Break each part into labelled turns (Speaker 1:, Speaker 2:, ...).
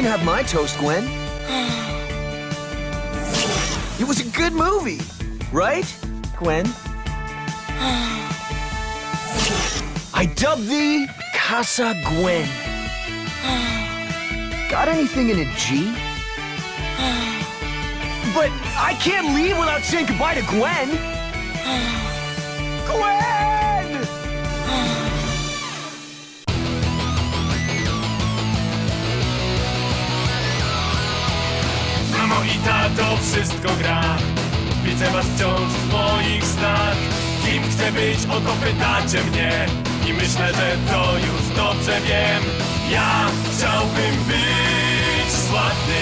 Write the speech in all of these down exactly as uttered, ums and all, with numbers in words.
Speaker 1: can have my toast, Gwen. It was a good movie, right, Gwen? I dubbed thee Casa Gwen. Got anything in a G? But I can't leave without saying goodbye to Gwen. Gwen!
Speaker 2: Mamo i tato, wszystko gra. Widzę was wciąż w moich snach. Kim chcę być, o to pytacie mnie. I myślę, że to już dobrze wiem. Ja chciałbym być sławny.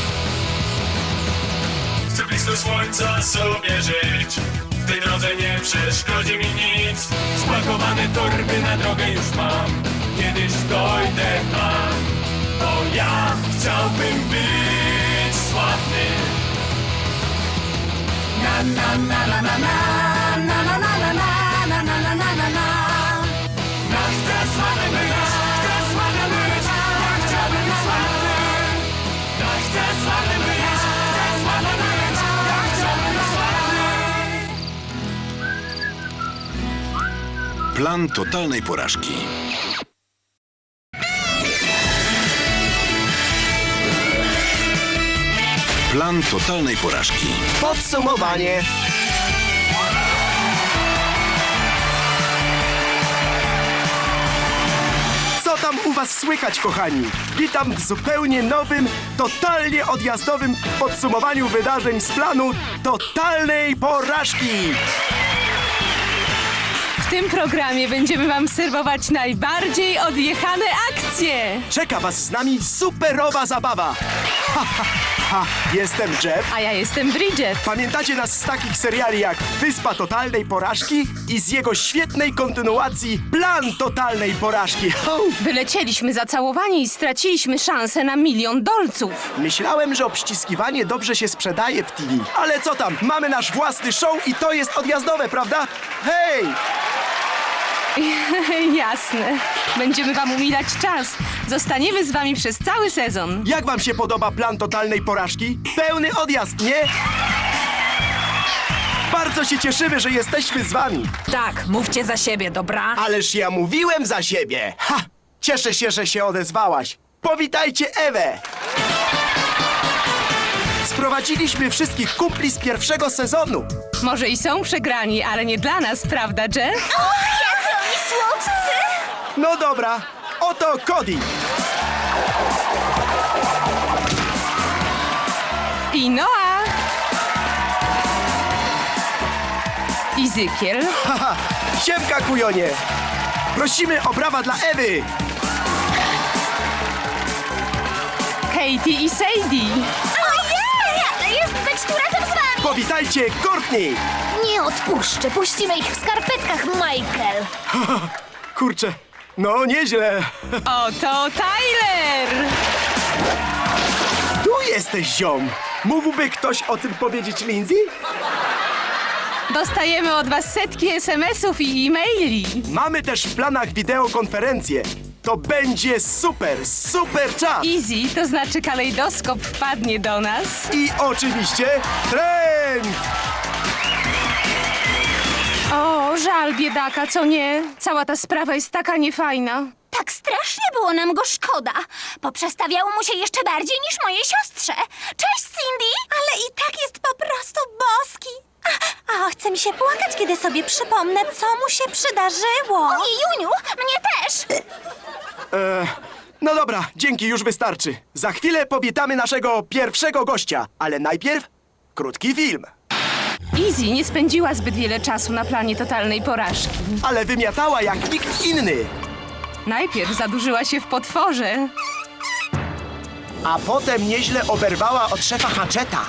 Speaker 2: Chcę blisko słońca sobie żyć. W tej drodze nie przeszkodzi mi nic. Spakowane torby na drogę już mam. Kiedyś dojdę tam. Bo ja chciałbym być sławny. Na na na na na na na na na na na na na na na na. Ja chcę sławny być, chcę sławny być, ja chciałbym być sławny. Ja chcę sławny być, chcę sławny być, ja chciałbym być sławny.
Speaker 3: Plan totalnej porażki. Plan totalnej porażki.
Speaker 1: Podsumowanie.
Speaker 4: Co tam u was słychać, kochani? Witam w zupełnie nowym, totalnie odjazdowym podsumowaniu wydarzeń z planu totalnej porażki.
Speaker 5: W tym programie będziemy wam serwować najbardziej odjechane akcje.
Speaker 4: Czeka was z nami superowa zabawa. Ha, ha, ha. Jestem Jeff.
Speaker 5: A ja jestem Bridget.
Speaker 4: Pamiętacie nas z takich seriali jak Wyspa Totalnej Porażki i z jego świetnej kontynuacji Plan Totalnej Porażki. Ho!
Speaker 5: Wylecieliśmy zacałowani i straciliśmy szansę na milion dolców.
Speaker 4: Myślałem, że obściskiwanie dobrze się sprzedaje w T V. Ale co tam, mamy nasz własny show i to jest odjazdowe, prawda? Hej!
Speaker 5: Jasne. Będziemy wam umilać czas. Zostaniemy z wami przez cały sezon.
Speaker 4: Jak wam się podoba Plan Totalnej Porażki? Pełny odjazd, nie? Bardzo się cieszymy, że jesteśmy z wami.
Speaker 6: Tak, mówcie za siebie, dobra?
Speaker 4: Ależ ja mówiłem za siebie. Ha! Cieszę się, że się odezwałaś. Powitajcie Ewę. Sprowadziliśmy wszystkich kumpli z pierwszego sezonu.
Speaker 5: Może i są przegrani, ale nie dla nas, prawda, Jeff?
Speaker 7: Jacy oni słodcy!
Speaker 4: No dobra, oto Cody.
Speaker 5: I Noah. I Zykiel.
Speaker 4: Haha, siemka kujonie. Prosimy o brawa dla Ewy.
Speaker 5: Katie i Sadie.
Speaker 7: Ojej! Jest być tu razem z wami!
Speaker 4: Powitajcie Courtney.
Speaker 7: Nie odpuszczę, puścimy ich w skarpetkach, Michael!
Speaker 4: Kurczę, no nieźle.
Speaker 5: Oto Tyler.
Speaker 4: Tu jesteś, ziom. Mógłby ktoś o tym powiedzieć Lindsay?
Speaker 5: Dostajemy od was setki es em esów i e-maili.
Speaker 4: Mamy też w planach wideokonferencję. To będzie super, super czas.
Speaker 5: Easy, to znaczy kalejdoskop wpadnie do nas.
Speaker 4: I oczywiście trend.
Speaker 5: O, żal biedaka, co nie? Cała ta sprawa jest taka niefajna.
Speaker 7: Tak strasznie było nam go szkoda. Poprzestawiało mu się jeszcze bardziej niż mojej siostrze. Cześć, Cindy! Ale i tak jest po prostu boski. A, a chce mi się płakać, kiedy sobie przypomnę, co mu się przydarzyło. Ojej, Juniu, mnie też!
Speaker 4: E, no dobra, dzięki, już wystarczy. Za chwilę powitamy naszego pierwszego gościa, ale najpierw krótki film.
Speaker 5: Easy nie spędziła zbyt wiele czasu na planie totalnej porażki.
Speaker 4: Ale wymiatała jak nikt inny.
Speaker 5: Najpierw zadłużyła się w potworze.
Speaker 4: A potem nieźle oberwała od szefa Hatcheta.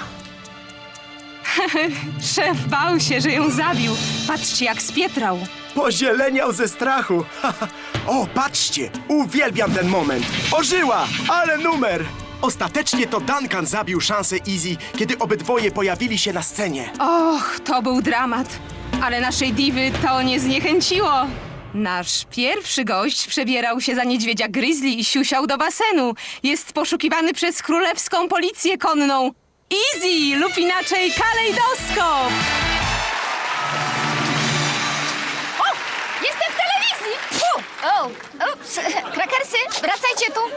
Speaker 5: Szef bał się, że ją zabił. Patrzcie, jak spietrał.
Speaker 4: Pozieleniał ze strachu. O, patrzcie, uwielbiam ten moment. Ożyła, ale numer. Ostatecznie to Duncan zabił szansę Easy, kiedy obydwoje pojawili się na scenie.
Speaker 5: Och, to był dramat. Ale naszej diwy to nie zniechęciło. Nasz pierwszy gość przebierał się za niedźwiedzia grizzly i siusiał do basenu. Jest poszukiwany przez królewską policję konną. Easy lub inaczej kalejdoskop.
Speaker 7: O! Jestem w telewizji! Fu! O! Ups! Krakersy, wracajcie tu!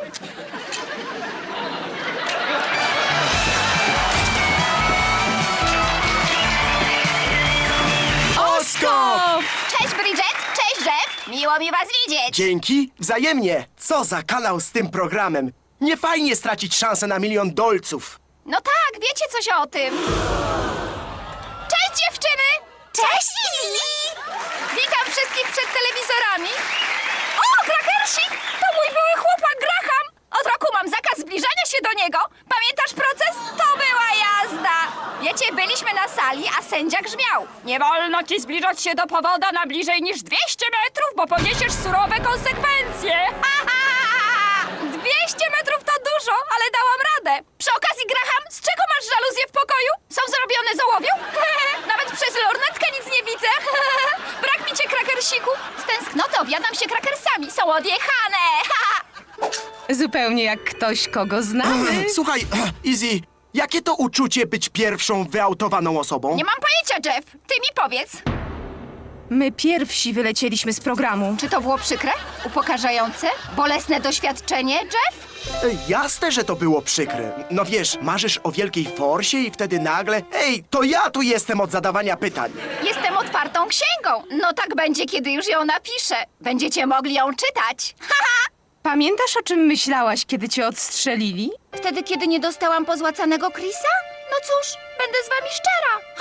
Speaker 5: Oskop!
Speaker 7: Cześć, Bridget! Cześć, Jeff! Miło mi was widzieć!
Speaker 4: Dzięki, wzajemnie. Co za kanał z tym programem. Nie fajnie stracić szansę na milion dolców.
Speaker 7: No tak, wiecie coś o tym. Cześć, dziewczyny! Cześć, Lili! Witam wszystkich przed telewizorami. O, Krakersik! To mój były chłopak Graham! Od roku mam zakaz zbliżania się do niego. Pamiętasz proces? To była jazda! Wiecie, byliśmy na sali, a sędzia grzmiał. Nie wolno ci zbliżać się do powoda na bliżej niż dwieście metrów, bo poniesiesz surowe konsekwencje. Ha, ha, ha! dwieście metrów to dużo, ale dałam radę. Przy okazji, Graham, z czego masz żaluzje w pokoju? Są zrobione z ołowiu? Nawet przez lornetkę nic nie widzę. Brak mi cię, Krakersiku. Z tęsknoty objadam się krakersami. Są odjechane.
Speaker 5: Zupełnie jak ktoś, kogo znamy.
Speaker 4: Słuchaj, Easy, jakie to uczucie być pierwszą wyautowaną osobą?
Speaker 7: Nie mam pojęcia, Jeff. Ty mi powiedz.
Speaker 5: My pierwsi wylecieliśmy z programu.
Speaker 7: Czy to było przykre? Upokarzające? Bolesne doświadczenie, Jeff?
Speaker 4: E, Jasne, że to było przykre. No wiesz, marzysz o wielkiej forsie i wtedy nagle... Ej, to ja tu jestem od zadawania pytań.
Speaker 7: Jestem otwartą księgą. No tak będzie, kiedy już ją napiszę. Będziecie mogli ją czytać. Haha!
Speaker 5: Pamiętasz, o czym myślałaś, kiedy cię odstrzelili?
Speaker 7: Wtedy, kiedy nie dostałam pozłacanego Chrisa? No cóż, będę z wami szczera.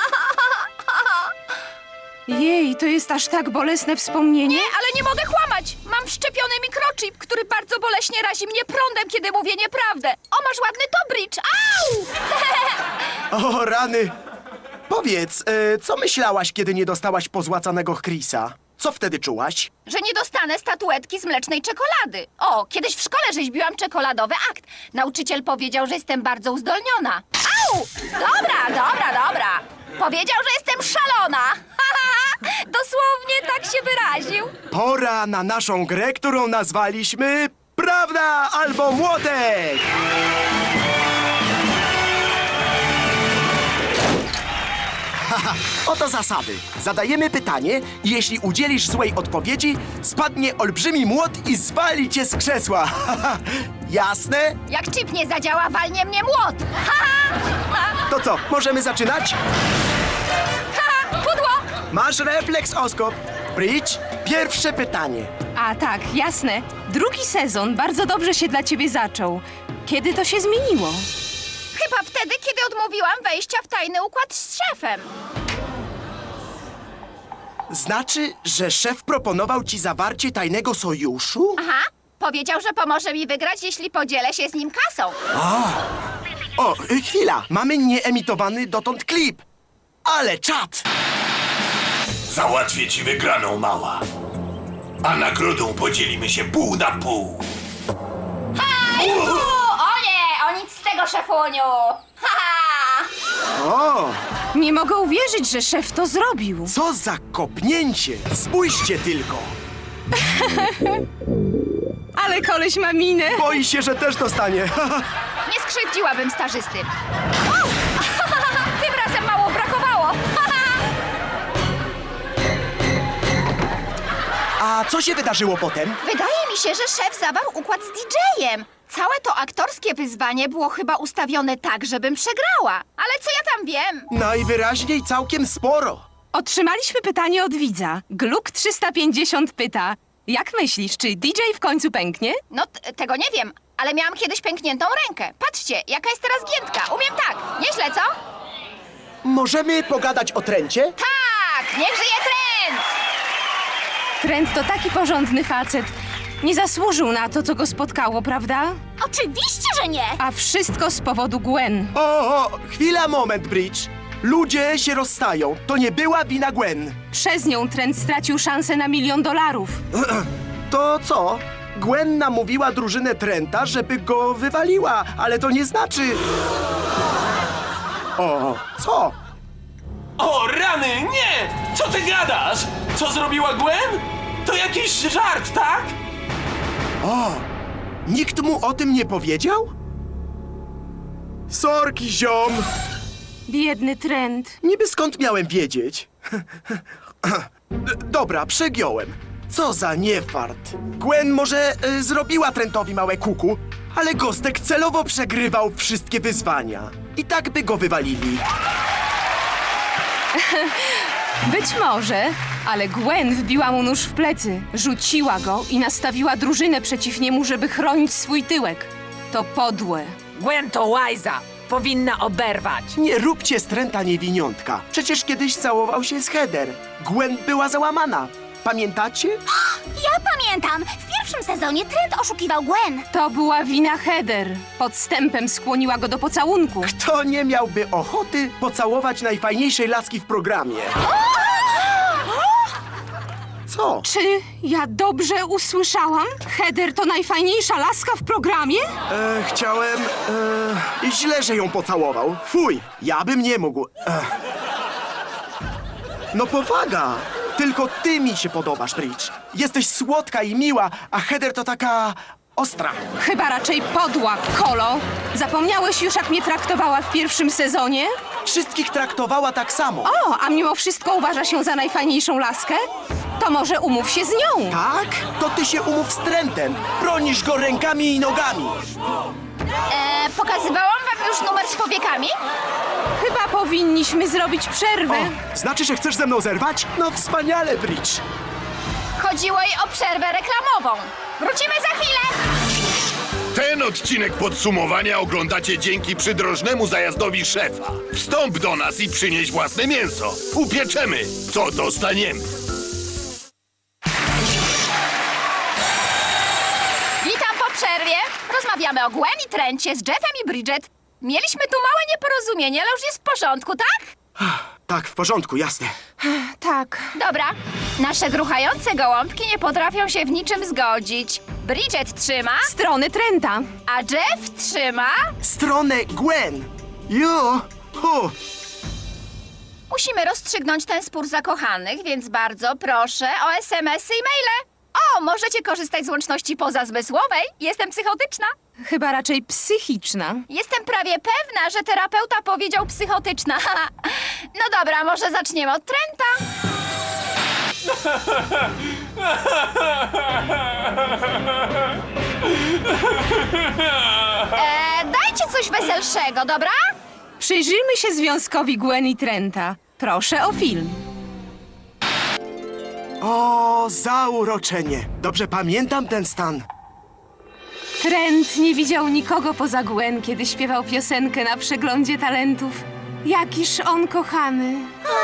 Speaker 5: Jej, to jest aż tak bolesne wspomnienie?
Speaker 7: Nie, ale nie mogę kłamać. Mam wszczepiony mikrochip, który bardzo boleśnie razi mnie prądem, kiedy mówię nieprawdę. O, masz ładny tobricz. Au!
Speaker 4: O, rany. Powiedz, e, co myślałaś, kiedy nie dostałaś pozłacanego Chrisa? Co wtedy czułaś?
Speaker 7: Że nie dostanę statuetki z mlecznej czekolady. O, kiedyś w szkole rzeźbiłam czekoladowy akt. Nauczyciel powiedział, że jestem bardzo uzdolniona. Au! Dobra, dobra, dobra. Powiedział, że jestem szalona. Dosłownie tak się wyraził.
Speaker 4: Pora na naszą grę, którą nazwaliśmy Prawda albo Młotek! Haha, oto zasady. Zadajemy pytanie i jeśli udzielisz złej odpowiedzi, spadnie olbrzymi młot i zwali cię z krzesła. Haha, jasne?
Speaker 7: Jak chip nie zadziała, walnie mnie młot. Ha, ha,
Speaker 4: To co, możemy zaczynać?
Speaker 7: ha, pudło.
Speaker 4: Masz refleks, Oskop. Bridge, pierwsze pytanie.
Speaker 5: A tak, jasne. Drugi sezon bardzo dobrze się dla ciebie zaczął. Kiedy to się zmieniło?
Speaker 7: Chyba wtedy, kiedy odmówiłam wejścia w tajny układ z szefem.
Speaker 4: Znaczy, że szef proponował ci zawarcie tajnego sojuszu?
Speaker 7: Aha, powiedział, że pomoże mi wygrać, jeśli podzielę się z nim kasą.
Speaker 4: O, y, chwila, mamy nieemitowany dotąd klip. Ale czad!
Speaker 8: Załatwię ci wygraną, mała. A nagrodą podzielimy się pół na pół.
Speaker 7: Hajku! O nie, o nic z tego, szefuniu. Haha!
Speaker 4: O,
Speaker 5: Nie mogę uwierzyć, że szef to zrobił.
Speaker 4: co za kopnięcie! Spójrzcie tylko!
Speaker 5: Ale koleś ma minę.
Speaker 4: Boi się, że też dostanie.
Speaker 7: Nie skrzywdziłabym stażysty. O! Tym razem mało brakowało.
Speaker 4: A co się wydarzyło potem?
Speaker 7: Wydaje mi się, że szef zawarł układ z didżejem. Całe to aktorskie wyzwanie było chyba ustawione tak, żebym przegrała. Ale co ja tam wiem?
Speaker 4: Najwyraźniej całkiem sporo.
Speaker 5: Otrzymaliśmy pytanie od widza. Gluk trzysta pięćdziesiąt pyta. Jak myślisz, czy D J w końcu pęknie?
Speaker 7: No, t- tego nie wiem, ale miałam kiedyś pękniętą rękę. Patrzcie, jaka jest teraz giętka. Umiem tak. Nieźle, co?
Speaker 4: Możemy pogadać o trencie?
Speaker 7: Tak! Niech żyje trend!
Speaker 5: Trent to taki porządny facet. Nie zasłużył na to, co go spotkało, prawda?
Speaker 7: Oczywiście, że nie!
Speaker 5: A wszystko z powodu Gwen.
Speaker 4: O, o, chwila, moment, Bridge. Ludzie się rozstają. To nie była wina Gwen.
Speaker 5: Przez nią Trent stracił szansę na milion dolarów.
Speaker 4: To co? Gwen namówiła drużynę Trenta, żeby go wywaliła, ale to nie znaczy... O, co?
Speaker 9: O, rany, nie! Co ty gadasz? Co zrobiła Gwen? To jakiś żart, tak?
Speaker 4: Nikt mu o tym nie powiedział? Sorki, ziom.
Speaker 5: Biedny Trent.
Speaker 4: Niby skąd miałem wiedzieć? D- Dobra, przegiąłem. Co za niefart. Gwen może y, zrobiła Trentowi małe kuku, ale Gostek celowo przegrywał wszystkie wyzwania. I tak by go wywalili.
Speaker 5: Być może, ale Gwen wbiła mu nóż w plecy, rzuciła go i nastawiła drużynę przeciw niemu, żeby chronić swój tyłek. To podłe.
Speaker 6: Gwen to łajza. Powinna oberwać.
Speaker 4: Nie róbcie z Trenta niewiniątka. Przecież kiedyś całował się z Heather. Gwen była załamana. Pamiętacie?
Speaker 7: Ja pamiętam! W pierwszym sezonie Trent oszukiwał Gwen.
Speaker 5: To była wina Heather. Podstępem skłoniła go do pocałunku.
Speaker 4: Kto nie miałby ochoty pocałować najfajniejszej laski w programie? Co?
Speaker 5: Czy ja dobrze usłyszałam? Heather to najfajniejsza laska w programie?
Speaker 4: E, chciałem... E, źle, że ją pocałował. Fuj, ja bym nie mógł. E. No powaga! Tylko ty mi się podobasz, Bridge. Jesteś słodka i miła, a Heather to taka... ostra.
Speaker 5: Chyba raczej podła, Kolo. Zapomniałeś już, jak mnie traktowała w pierwszym sezonie?
Speaker 4: Wszystkich traktowała tak samo.
Speaker 5: O, a mimo wszystko uważa się za najfajniejszą laskę? To może umów się z nią.
Speaker 4: Tak? To ty się umów z Trentem. Bronisz go rękami i nogami.
Speaker 7: E, pokazywałam wam już numer z powiekami?
Speaker 5: Chyba powinniśmy zrobić przerwę.
Speaker 4: O, znaczy, że chcesz ze mną zerwać? No wspaniale, Bridge.
Speaker 7: Chodziło jej o przerwę reklamową. Wrócimy za chwilę!
Speaker 8: Ten odcinek podsumowania oglądacie dzięki przydrożnemu zajazdowi szefa. Wstąp do nas i przynieś własne mięso. Upieczemy, co dostaniemy.
Speaker 7: Witam po przerwie. Rozmawiamy o Gwen i Trencie z Jeffem i Bridget. Mieliśmy tu małe nieporozumienie, ale już jest w porządku, tak?
Speaker 4: Tak, w porządku, jasne.
Speaker 5: Tak.
Speaker 7: Dobra. Nasze gruchające gołąbki nie potrafią się w niczym zgodzić. Bridget trzyma,
Speaker 5: Strony Trenta.
Speaker 7: a Jeff trzyma.
Speaker 4: Stronę Gwen. Jo, hu.
Speaker 7: Musimy rozstrzygnąć ten spór zakochanych, więc bardzo proszę o es em esy i maile. O, możecie korzystać z łączności pozazmysłowej. Jestem psychotyczna.
Speaker 5: Chyba raczej psychiczna.
Speaker 7: Jestem prawie pewna, że terapeuta powiedział psychotyczna. No dobra, może zaczniemy od Trenta. E, dajcie coś weselszego, dobra?
Speaker 5: Przyjrzyjmy się związkowi Gwen i Trenta. Proszę o film.
Speaker 4: O, zauroczenie. Dobrze pamiętam ten stan.
Speaker 5: Trent nie widział nikogo poza Gwen, kiedy śpiewał piosenkę na przeglądzie talentów. Jakiż on kochany.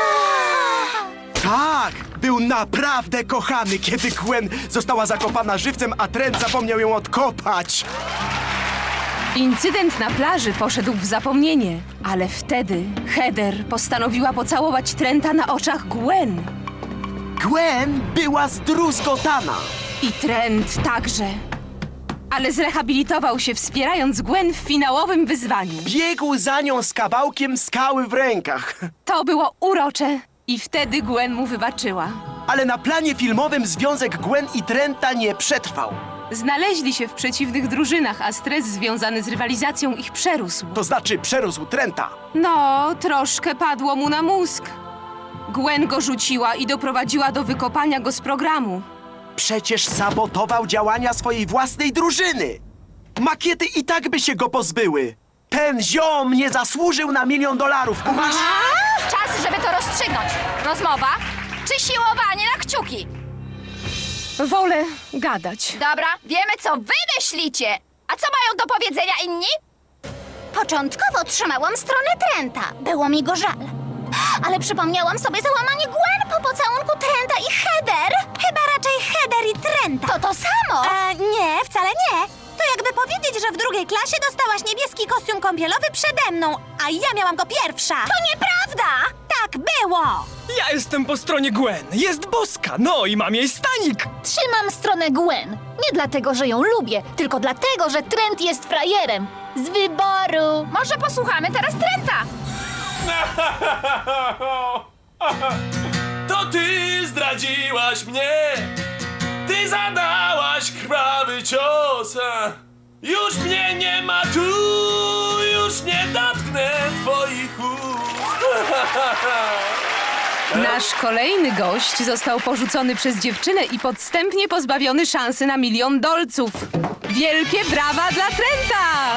Speaker 4: Tak, był naprawdę kochany, kiedy Gwen została zakopana żywcem, a Trent zapomniał ją odkopać.
Speaker 5: Incydent na plaży poszedł w zapomnienie, ale wtedy Heather postanowiła pocałować Trenta na oczach Gwen.
Speaker 4: Gwen była zdruzgotana.
Speaker 5: I Trent także. Ale zrehabilitował się, wspierając Gwen w finałowym wyzwaniu.
Speaker 4: Biegł za nią z kawałkiem skały w rękach.
Speaker 5: To było urocze. I wtedy Gwen mu wybaczyła.
Speaker 4: Ale na planie filmowym związek Gwen i Trenta nie przetrwał.
Speaker 5: Znaleźli się w przeciwnych drużynach, a stres związany z rywalizacją ich przerósł.
Speaker 4: To znaczy przerósł Trenta.
Speaker 5: No, troszkę padło mu na mózg. Gwen go rzuciła i doprowadziła do wykopania go z programu.
Speaker 4: Przecież sabotował działania swojej własnej drużyny. Makiety i tak by się go pozbyły. Ten ziom nie zasłużył na milion dolarów, kumasz?
Speaker 7: Czas, żeby to rozstrzygnąć. Rozmowa czy siłowanie na kciuki?
Speaker 5: Wolę gadać.
Speaker 7: Dobra, wiemy co wy myślicie. A co mają do powiedzenia inni? Początkowo trzymałam stronę Trenta. Było mi go żal. Ale przypomniałam sobie załamanie Gwen po pocałunku Trenta i Heather. Chyba raczej Heather i Trenta. To to samo?
Speaker 10: E, nie, wcale nie. To jakby powiedzieć, że w drugiej klasie dostałaś niebieski kostium kąpielowy przede mną, a ja miałam go pierwsza.
Speaker 7: To nieprawda!
Speaker 10: Tak było!
Speaker 11: Ja jestem po stronie Gwen. Jest boska, no i mam jej stanik.
Speaker 7: Trzymam stronę Gwen. Nie dlatego, że ją lubię, tylko dlatego, że Trent jest frajerem. Z wyboru. Może posłuchamy teraz Trenta.
Speaker 9: To ty zdradziłaś mnie. Ty zadałaś krwawy cios. a Już mnie nie ma tu, już nie dotknę twoich ust.
Speaker 5: Nasz kolejny gość został porzucony przez dziewczynę i podstępnie pozbawiony szansy na milion dolców. Wielkie brawa dla Trenta!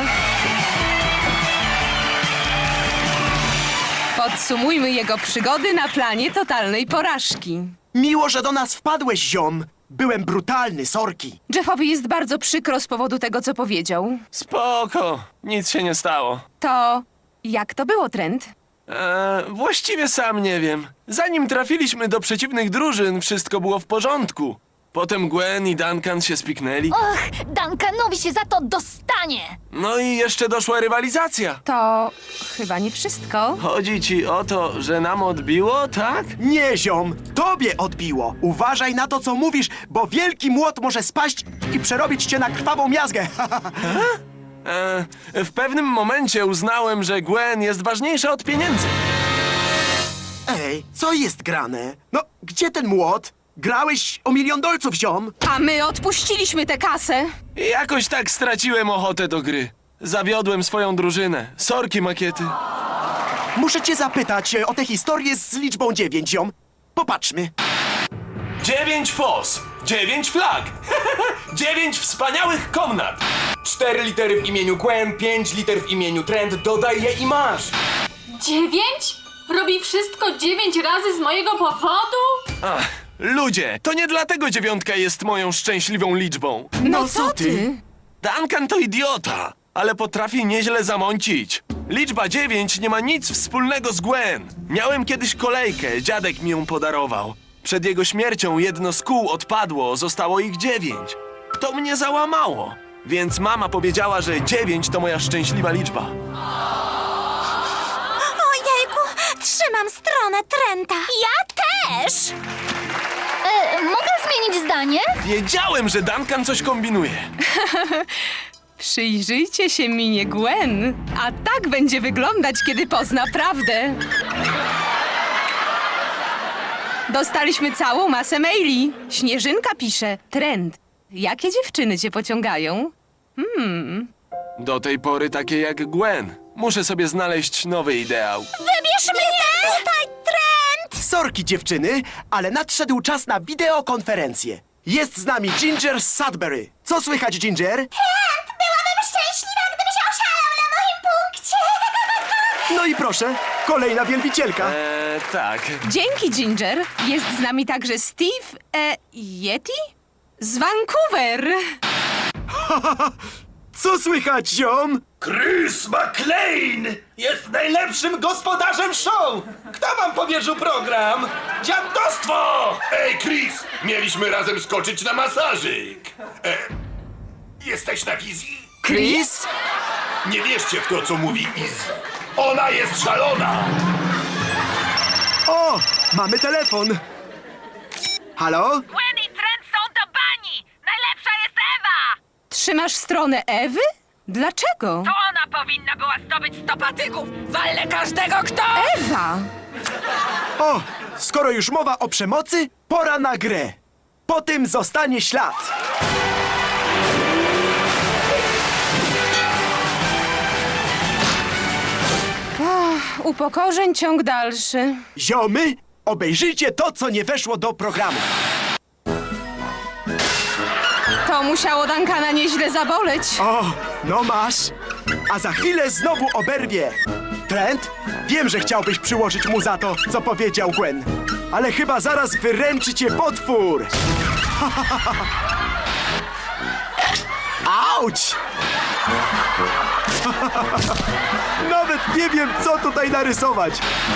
Speaker 5: Podsumujmy jego przygody na planie totalnej porażki.
Speaker 4: Miło, że do nas wpadłeś, ziom. Byłem brutalny, sorki.
Speaker 5: Jeffowi jest bardzo przykro z powodu tego, co powiedział.
Speaker 9: Spoko, nic się nie stało.
Speaker 5: To jak to było, Trent?
Speaker 9: Eee, właściwie sam nie wiem. Zanim trafiliśmy do przeciwnych drużyn, wszystko było w porządku. Potem Gwen i Duncan się spiknęli.
Speaker 7: Och, Duncanowi się za to dostanie!
Speaker 9: No i jeszcze doszła rywalizacja.
Speaker 5: To chyba nie wszystko.
Speaker 9: Chodzi ci o to, że nam odbiło, tak?
Speaker 4: Nie, ziom, tobie odbiło. Uważaj na to, co mówisz, bo wielki młot może spaść i przerobić cię na krwawą miazgę.
Speaker 9: Eee, w pewnym momencie uznałem, że Gwen jest ważniejsza od pieniędzy.
Speaker 4: Ej, co jest grane? No, gdzie ten młot? Grałeś o milion dolców, ziom.
Speaker 5: A my odpuściliśmy tę kasę.
Speaker 9: I jakoś tak straciłem ochotę do gry. Zawiodłem swoją drużynę. Sorki, makiety.
Speaker 4: Muszę cię zapytać e, o tę historię z liczbą dziewięć, ziom. Popatrzmy.
Speaker 9: Dziewięć fos, dziewięć flag, dziewięć wspaniałych komnat.
Speaker 11: Cztery litery w imieniu Gwen, pięć liter w imieniu Trent, dodaj je i masz.
Speaker 12: Dziewięć? Robi wszystko dziewięć razy z mojego powodu?
Speaker 9: Ach, ludzie, to nie dlatego dziewiątka jest moją szczęśliwą liczbą.
Speaker 5: No, co ty?
Speaker 9: Duncan to idiota, ale potrafi nieźle zamącić. Liczba dziewięć nie ma nic wspólnego z Gwen. Miałem kiedyś kolejkę, dziadek mi ją podarował. Przed jego śmiercią jedno z kół odpadło, zostało ich dziewięć. To mnie załamało, więc mama powiedziała, że dziewięć to moja szczęśliwa liczba.
Speaker 10: Ojejku, trzymam stronę Trenta.
Speaker 7: Ja też! E, mogę zmienić zdanie?
Speaker 9: Wiedziałem, że Duncan coś kombinuje.
Speaker 5: Przyjrzyjcie się minie Gwen, a tak będzie wyglądać, kiedy pozna prawdę. Dostaliśmy całą masę maili. Śnieżynka pisze: Trent, jakie dziewczyny cię pociągają?
Speaker 9: Do tej pory takie jak Gwen. Muszę sobie znaleźć nowy ideał.
Speaker 10: Wybierz mnie! Tutaj, Trent!
Speaker 4: Sorki, dziewczyny, ale nadszedł czas na wideokonferencję. Jest z nami Ginger z Sudbury. Co słychać, Ginger?
Speaker 10: Trent, byłabym szczęśliwa, gdybyś oszalał na moim punkcie.
Speaker 4: No i proszę, kolejna wielbicielka.
Speaker 9: Eee, tak.
Speaker 5: Dzięki, Ginger. Jest z nami także Steve e, Yeti z Vancouver.
Speaker 4: Co słychać, ziom?
Speaker 11: Chris McLean jest najlepszym gospodarzem show! Kto wam powierzył program? Dziadostwo!
Speaker 8: Ej, Chris, mieliśmy razem skoczyć na masażyk. E, jesteś na wizji?
Speaker 4: Chris?
Speaker 8: Nie wierzcie w to, co mówi Izzy. Ona jest szalona!
Speaker 4: O, mamy telefon. Halo?
Speaker 6: Gwen i Trent są do bani! Najlepsza jest Ewa!
Speaker 5: Trzymasz stronę Ewy? Dlaczego?
Speaker 6: To ona powinna była zdobyć sto patyków! Walę każdego, kto...
Speaker 5: Ewa!
Speaker 4: O, skoro już mowa o przemocy, pora na grę. Po tym zostanie ślad.
Speaker 5: Upokorzeń ciąg dalszy.
Speaker 4: Ziomy, obejrzyjcie to, co nie weszło do programu.
Speaker 5: To musiało Duncana nieźle zaboleć.
Speaker 4: O, no masz. A za chwilę znowu oberwie. Trent, wiem, że chciałbyś przyłożyć mu za to, co powiedział Gwen. Ale chyba zaraz wyręczy cię potwór. Auć! Nawet nie wiem, co tutaj narysować.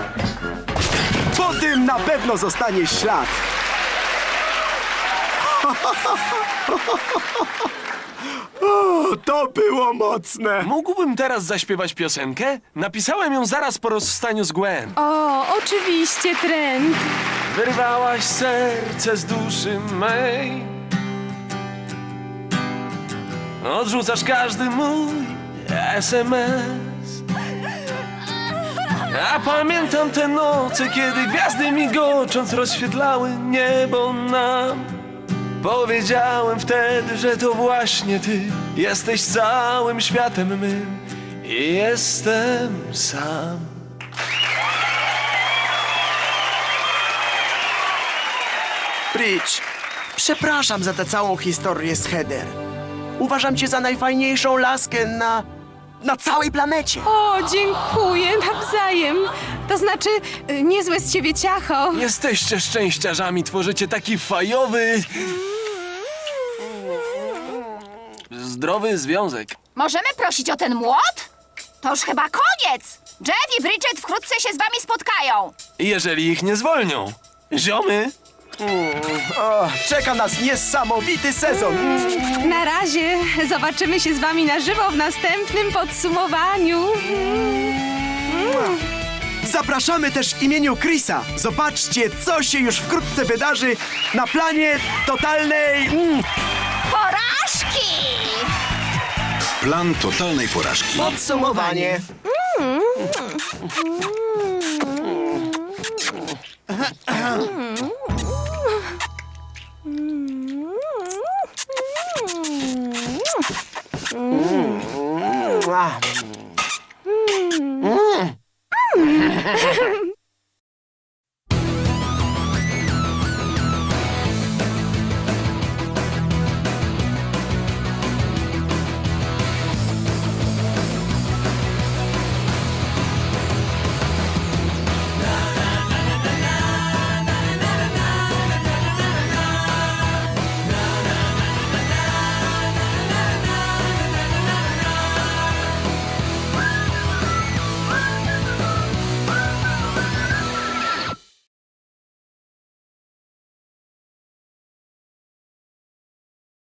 Speaker 4: Po tym na pewno zostanie ślad. O, to było mocne.
Speaker 9: Mógłbym teraz zaśpiewać piosenkę? Napisałem ją zaraz po rozstaniu z Gwen.
Speaker 5: O, oczywiście, Trent.
Speaker 9: Wyrwałaś serce z duszy mej. Odrzucasz każdy mój es em es. A pamiętam te noce, kiedy gwiazdy migocząc rozświetlały niebo nam. Powiedziałem wtedy, że to właśnie ty jesteś całym światem mym i jestem sam.
Speaker 4: Bridge, przepraszam za tę całą historię z Heather. Uważam cię za najfajniejszą laskę na... na całej planecie.
Speaker 5: O, dziękuję, nawzajem. To znaczy, y, niezłe z ciebie ciacho.
Speaker 9: Jesteście szczęściarzami, tworzycie taki fajowy... zdrowy związek.
Speaker 10: Możemy prosić o ten młot? To już chyba koniec! Jeff i Bridget wkrótce się z wami spotkają.
Speaker 9: Jeżeli ich nie zwolnią. Ziomy,
Speaker 4: O, czeka nas niesamowity sezon.
Speaker 5: Na razie zobaczymy się z wami na żywo w następnym podsumowaniu.
Speaker 4: Zapraszamy też w imieniu Chrisa. Zobaczcie, co się już wkrótce wydarzy na planie totalnej... Mm,
Speaker 10: Porażki!
Speaker 3: Plan totalnej porażki.
Speaker 4: podsumowanie.
Speaker 5: Mm.